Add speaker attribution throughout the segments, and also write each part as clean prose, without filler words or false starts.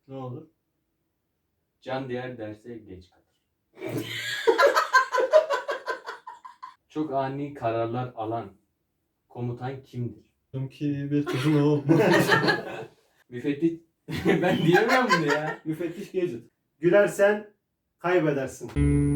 Speaker 1: Ne olur?
Speaker 2: Can diğer derse geç kalır. Çok ani kararlar alan komutan kimdir?
Speaker 1: Ki bir kızın oğlu.
Speaker 2: Müfettiş... Ben diyemem bunu ya.
Speaker 1: Müfettiş Gadget.
Speaker 3: Gülersen kaybedersin.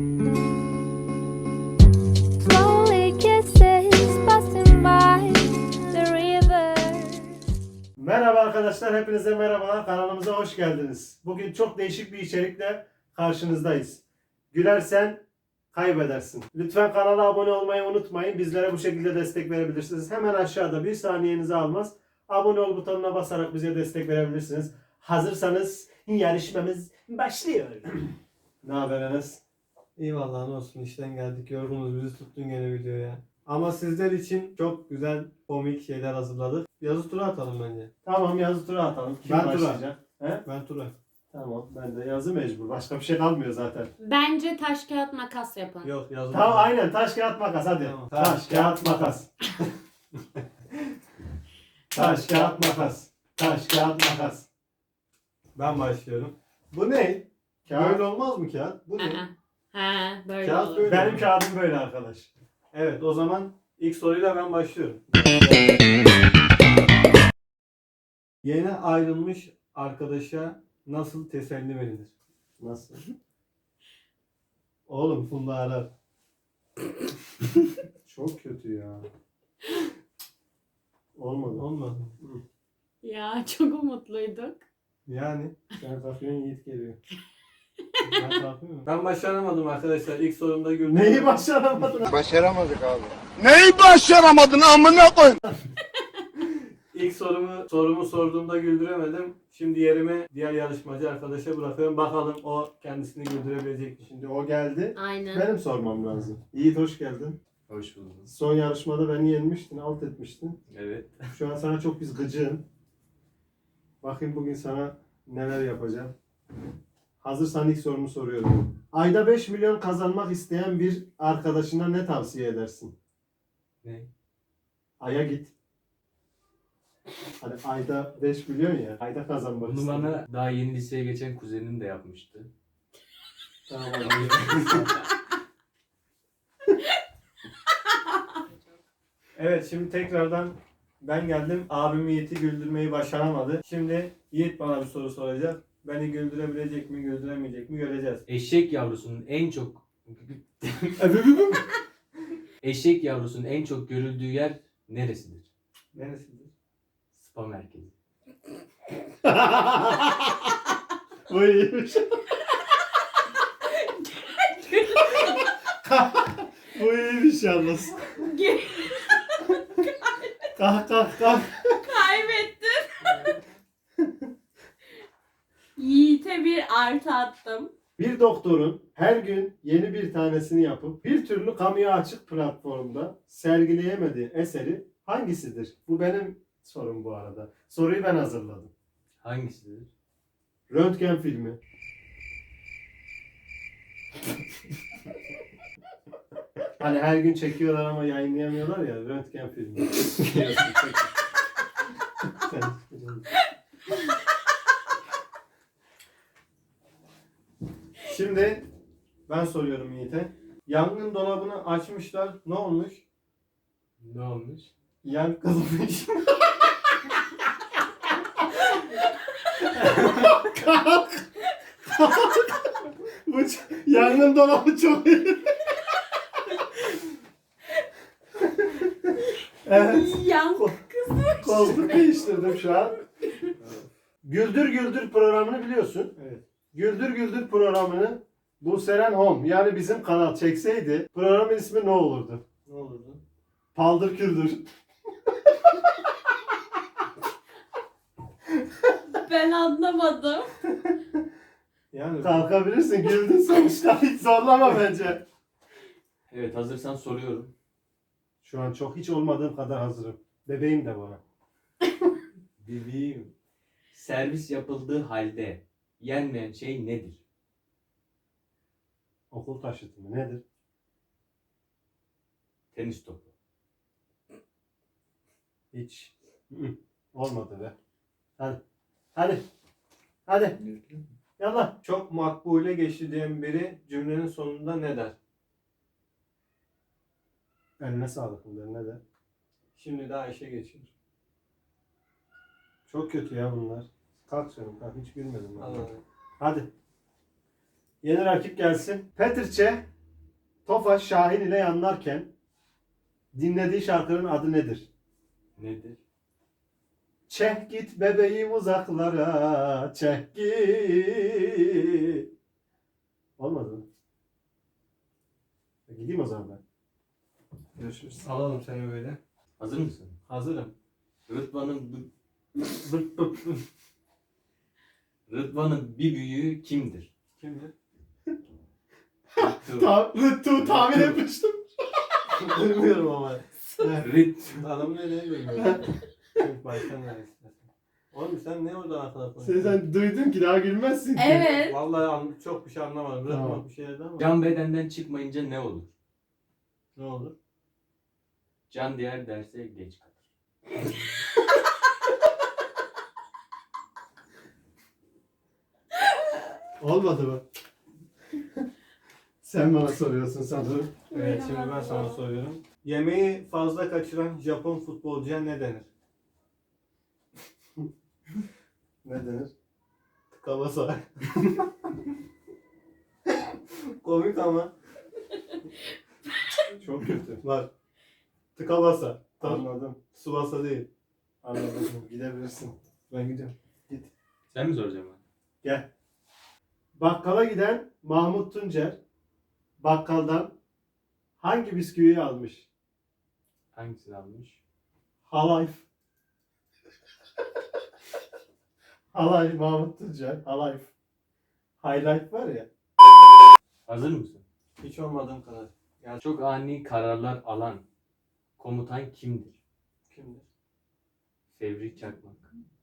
Speaker 4: Slowly kisses passing by the river.
Speaker 3: Merhaba arkadaşlar, hepinize merhabalar. Kanalımıza hoş geldiniz. Bugün çok değişik bir içerikle karşınızdayız. Gülersen kaybedersin. Lütfen kanala abone olmayı unutmayın. Bizlere bu şekilde destek verebilirsiniz. Hemen aşağıda bir saniyenizi almaz. Abone ol butonuna basarak bize destek verebilirsiniz. Hazırsanız yarışmamız başlıyor. Ne haber Enes?
Speaker 1: İyi vallahi ne olsun, işten geldik, yorgunuz, bizi tuttun gene videoya. Ama sizler için çok güzel komik şeyler hazırladık. Yazı tura atalım bence.
Speaker 3: Tamam, yazı tura atalım. Kim
Speaker 1: Ben tura.
Speaker 3: başlayacak? He?
Speaker 1: Ben tura.
Speaker 3: Tamam, ben de yazı mecbur. Başka bir şey kalmıyor zaten.
Speaker 5: Bence taş kağıt makas yapın.
Speaker 1: Yok yazı
Speaker 3: Tamam,
Speaker 1: tura.
Speaker 3: aynen. Taş kağıt makas hadi.
Speaker 1: Tamam.
Speaker 3: Taş kağıt makas. Taş kağıt makas. Taş kağıt makas.
Speaker 1: Ben başlıyorum. Bu ne?
Speaker 3: Kağıt.
Speaker 1: Böyle olmaz mı kağıt? Bu ne?
Speaker 5: Ha, böyle
Speaker 1: Kağıt
Speaker 5: olur.
Speaker 1: böyle.
Speaker 3: Benim kağıdım böyle arkadaş.
Speaker 1: Evet, o zaman ilk soruyla ben başlıyorum. Yeni ayrılmış arkadaşa nasıl teselli verilir?
Speaker 3: Nasıl?
Speaker 1: Oğlum Funda arar.
Speaker 3: Çok kötü ya. Olmadı.
Speaker 1: Olmadı.
Speaker 5: Ya çok umutluyduk.
Speaker 1: Yani
Speaker 3: Sen kalkıyorsun, Yiğit geliyor.
Speaker 1: ben kalkıyorum. Ben başaramadım arkadaşlar. İlk sorumda güldüm.
Speaker 3: Neyi başaramadın?
Speaker 6: Başaramadık abi. Neyi başaramadın amına koy?
Speaker 1: İlk sorumu sorduğumda güldüremedim. Şimdi yerimi diğer yarışmacı arkadaşa bırakıyorum. Bakalım o kendisini güldürebilecek mi?
Speaker 3: Şimdi o geldi.
Speaker 5: Aynen.
Speaker 3: Benim sormam lazım. Yiğit hoş geldin.
Speaker 2: Hoş bulduk.
Speaker 3: Son yarışmada beni yenmiştin, alt etmiştin.
Speaker 2: Evet.
Speaker 3: Şu an sana çok biz gıcığım. Bakayım bugün sana neler yapacağım. Hazırsan ilk sorumu soruyorum. Ayda 5 milyon kazanmak isteyen bir arkadaşına ne tavsiye edersin?
Speaker 2: Ne?
Speaker 3: Ay'a git. Hani ayda 5 milyon ya. Ayda kazanmak
Speaker 2: Bunu
Speaker 3: isteyen.
Speaker 2: bana daha yeni liseye geçen kuzenim de yapmıştı.
Speaker 3: Tamam.
Speaker 1: Evet, şimdi tekrardan ben geldim. Abim Yiğit'i güldürmeyi başaramadı. Şimdi Yiğit bana bir soru soracak. Beni güldürebilecek mi, güldüremeyecek mi göreceğiz.
Speaker 2: Eşek yavrusunun en çok... Eşek yavrusunun en çok görüldüğü yer neresidir?
Speaker 1: Neresidir?
Speaker 2: Spa merkezi.
Speaker 3: Bu iyiymiş. Bu iyiymiş yalnız. Kalk kalk kalk.
Speaker 5: Kaybettin. Yiğit'e bir artı attım.
Speaker 3: Bir doktorun her gün yeni bir tanesini yapıp bir türlü kamuya açık platformda sergileyemediği eseri hangisidir? Bu benim sorum bu arada. Soruyu ben hazırladım.
Speaker 2: Hangisidir?
Speaker 3: Röntgen filmi. Hani her gün çekiyorlar ama yayınlayamıyorlar ya, röntgen filmi. Sen çıkacaksın.
Speaker 1: Şimdi ben soruyorum Yiğit'e. Yangın dolabını açmışlar. Ne olmuş?
Speaker 2: Ne olmuş?
Speaker 1: Yan kızmış.
Speaker 3: Bu yangın dolabı çok iyi. Evet.
Speaker 5: Yan
Speaker 3: Koltuk değiştirdim şu an. Güldür Güldür programını biliyorsun.
Speaker 1: Evet.
Speaker 3: Güldür Güldür programını bu Seren Home yani bizim kanal çekseydi programın ismi ne olurdu?
Speaker 1: Ne olurdu?
Speaker 3: Paldır Küldür.
Speaker 5: ben anlamadım.
Speaker 1: Yani
Speaker 3: Kalkabilirsin, güldün sonuçta, hiç zorlama bence.
Speaker 2: Evet, hazırsan soruyorum.
Speaker 3: Şu an çok hiç olmadığım kadar hazırım. Bebeğim de bana.
Speaker 2: Bebeğim. Servis yapıldığı halde yenmeyen şey nedir?
Speaker 3: Okul taşıtı mı nedir?
Speaker 2: Tenis topu.
Speaker 3: Hiç. Olmadı be. Hadi. Hadi. Hadi. Yallah.
Speaker 1: Çok makbule geçti diyen biri cümlenin sonunda ne der?
Speaker 3: Eline sağlık bunlar ne de.
Speaker 1: Şimdi daha işe geçiyor.
Speaker 3: Çok kötü ya bunlar. Kalk canım kalk hiç gülmedim ben.
Speaker 1: Anladım.
Speaker 3: Hadi. Yeni rakip gelsin. Petrçe Tofaş Şahin ile yanlarken dinlediği şarkının adı nedir?
Speaker 2: Nedir?
Speaker 3: Çeh git bebeğim uzaklara, çeh git. Olmadı mı? Gideyim o zaman ben. Görüşürüz.
Speaker 1: Alalım seni böyle.
Speaker 2: Hazır mısın?
Speaker 1: Hazırım.
Speaker 2: Rıdvan'ın Rıdvan'ın bir büyüğü kimdir?
Speaker 1: Kimdir?
Speaker 3: Rıttu tahmin etmiştim.
Speaker 1: Bilmiyorum ama.
Speaker 2: Rit.
Speaker 1: Adamın ne bilmiyorum. Çünkü baştan ver istersen. Oğlum sen ne orada arkada konuşuyorsun?
Speaker 3: Sen duydun ki daha gülmezsin ki.
Speaker 5: Evet.
Speaker 1: Vallahi çok bir şey anlamadım.
Speaker 3: Tamam.
Speaker 1: Tamam. Bir şeylerdi ama.
Speaker 2: Can bedenden çıkmayınca ne olur?
Speaker 1: Ne olur?
Speaker 2: Can diğer derse geç kalır.
Speaker 3: Olmadı mı? Sen bana soruyorsun sanırım.
Speaker 1: Evet şimdi ben sana soruyorum. Yemeği fazla kaçıran Japon futbolcuya ne denir?
Speaker 3: Ne denir?
Speaker 1: Tıkabasa. Komik ama.
Speaker 3: Çok kötü.
Speaker 1: Var. Tıkabasa.
Speaker 3: Anladım.
Speaker 1: Subasa değil.
Speaker 3: Anladım. Gidebilirsin.
Speaker 1: Ben gidiyorum.
Speaker 2: Sen mi soracaksın bana?
Speaker 3: Gel. Bakkala giden Mahmut Tuncer bakkaldan hangi bisküviyi almış?
Speaker 2: Hangisini almış?
Speaker 3: Halayf. Halay Mahmut Tuncer. Halayf. Highlight var ya.
Speaker 2: Hazır mısın?
Speaker 1: Hiç olmadığım kadar.
Speaker 2: Çok ani kararlar alan komutan kimdir?
Speaker 1: Kimdir?
Speaker 2: Fevri Çakmak.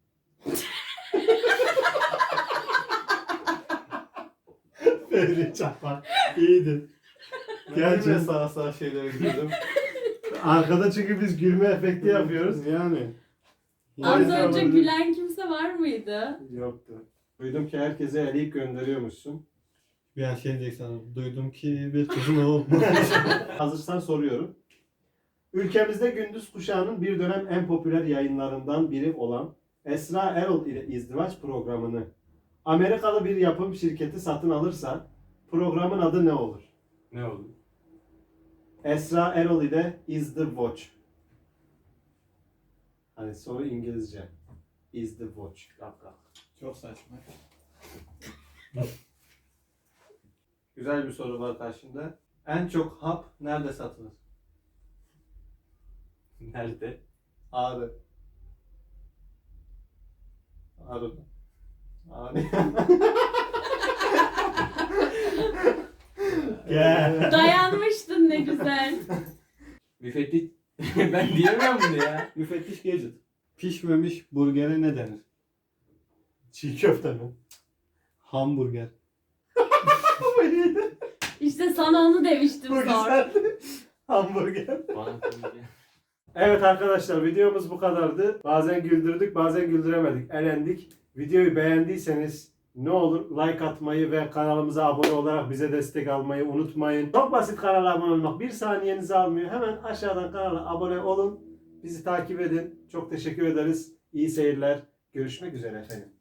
Speaker 3: Fevri Çakmak. İyiydi.
Speaker 1: Gerçekten
Speaker 3: Gerçi
Speaker 1: sağa sağa şeylere gidiyordum.
Speaker 3: arkada çünkü biz gülme efekti yapıyoruz.
Speaker 1: Yani.
Speaker 5: Az
Speaker 3: Neyse,
Speaker 5: önce
Speaker 3: olabilir.
Speaker 5: gülen kimse var mıydı?
Speaker 3: Yoktu. Duydum ki herkese eleyip gönderiyormuşsun.
Speaker 1: Bir an şey diyecek sana. Duydum ki bir kızın olmuş.
Speaker 3: Hazırsan soruyorum. Ülkemizde gündüz kuşağının bir dönem en popüler yayınlarından biri olan Esra Erol ile izdivaç programını Amerikalı bir yapım şirketi satın alırsa programın adı ne olur?
Speaker 2: Ne olur?
Speaker 3: Esra Erol ile Is the Watch. Hani soru İngilizce. Is the Watch.
Speaker 1: Çok saçma. Güzel bir soru var karşında. En çok hap nerede satılır?
Speaker 2: Nerede?
Speaker 1: Ağrı. Ağrı'da. Ağrı.
Speaker 3: Gel.
Speaker 5: Dayanmıştın ne güzel.
Speaker 2: Müfettiş... Ben diyemiyorum bunu ya.
Speaker 1: Müfettiş Gadget. Pişmemiş burgere ne denir?
Speaker 3: Çiğ köfte mi?
Speaker 1: Hamburger.
Speaker 5: İşte sana onu demiştim
Speaker 3: Bu
Speaker 5: sonra.
Speaker 3: güzeldi. Hamburger.
Speaker 2: Bana koyunca.
Speaker 3: Evet arkadaşlar videomuz bu kadardı. Bazen güldürdük bazen güldüremedik. Elendik. Videoyu beğendiyseniz ne olur like atmayı ve kanalımıza abone olarak bize destek almayı unutmayın. Çok basit kanala abone olmak. Bir saniyenizi almıyor. Hemen aşağıdan kanala abone olun. Bizi takip edin. Çok teşekkür ederiz. İyi seyirler. Görüşmek üzere efendim.